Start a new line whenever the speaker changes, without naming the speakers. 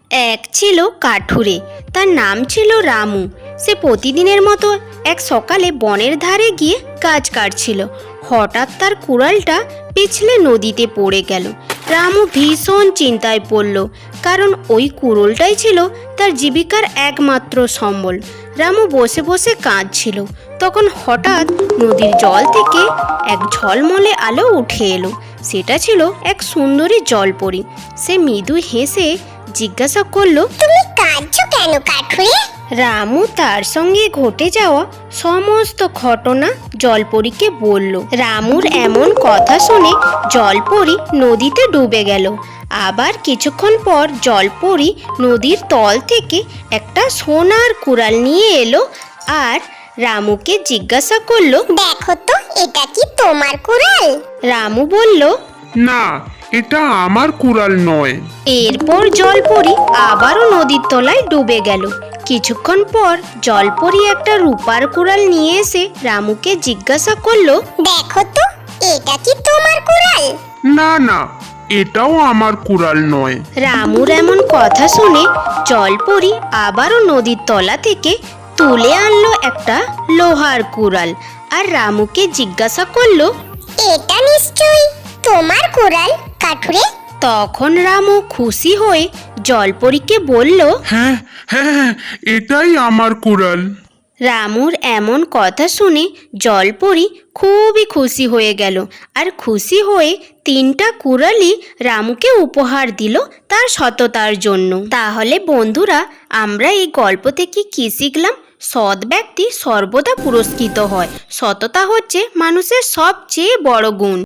এক ছিল কাঠুরে, তার নাম ছিল রামু। সে প্রতিদিনের মতো এক সকালে বনের ধারে গিয়ে গাছ কাটছিল। হঠাৎ তার কুড়ালটা পিছলে নদীতে পড়ে গেল। রামু ভীষণ চিন্তায় পড়ল, কারণ ওই কুড়োলটাই ছিল তার জীবিকার একমাত্র সম্বল। রামু বসে বসে কাঁদছিল। তখন হঠাৎ নদীর জল থেকে এক ঝলমলে আলো উঠে এলো। সেটা ছিল এক সুন্দরী জলপরী। সে মৃদু হেসে জিজ্ঞাসা করলো,
তুমি কাঁদছো কেন কাঠুরে?
রামু তার সঙ্গে ঘটে যাওয়া সমস্ত ঘটনা জলপরীকে বলল। রামুর এমন কথা শুনে জলপরী নদীতে ডুবে গেল। আবার কিছুক্ষণ পর জলপরী নদীর তল থেকে একটা সোনার কুড়াল নিয়ে এলো আর রামুকে জিজ্ঞাসা করলো,
দেখো তো এটা কি তোমার কুড়াল?
রামু বলল,
না, এটা আমার কুড়াল নয়।
এরপর জলপরী আবারও নদীর তলায় ডুবে গেল। কিছুক্ষণ পর জলপরী একটা রূপার কুড়াল নিয়ে এসে রামুকে জিজ্ঞাসা করলো,
দেখো তো এটা কি তোমার কুড়াল?
না না, এটাও আমার কুড়াল নয়।
রামুর এমন কথা শুনে জলপরী আবারও নদীর তলা থেকে তুলে আনলো একটা লোহার কুড়াল আর রামুকে জিজ্ঞাসা করলো,
এটা নিশ্চয়ই তোমার কুড়াল কাঠুরে।
তখন রামু খুশি হয়ে জলপরীকে বলল,
হ্যাঁ হ্যাঁ, এটাই আমার কুড়াল।
রামুর এমন কথা শুনে জলপরী খুবই খুশি হয়ে গেল আর খুশি হয়ে 3টা কুড়ালই রামুকে উপহার দিল তার সততার জন্য। তাহলে বন্ধুরা, আমরা এই গল্প থেকে কি শিখলাম? সৎ ব্যক্তি সর্বদা পুরস্কৃত হয়। সততা হচ্ছে মানুষের সবচেয়ে বড় গুণ।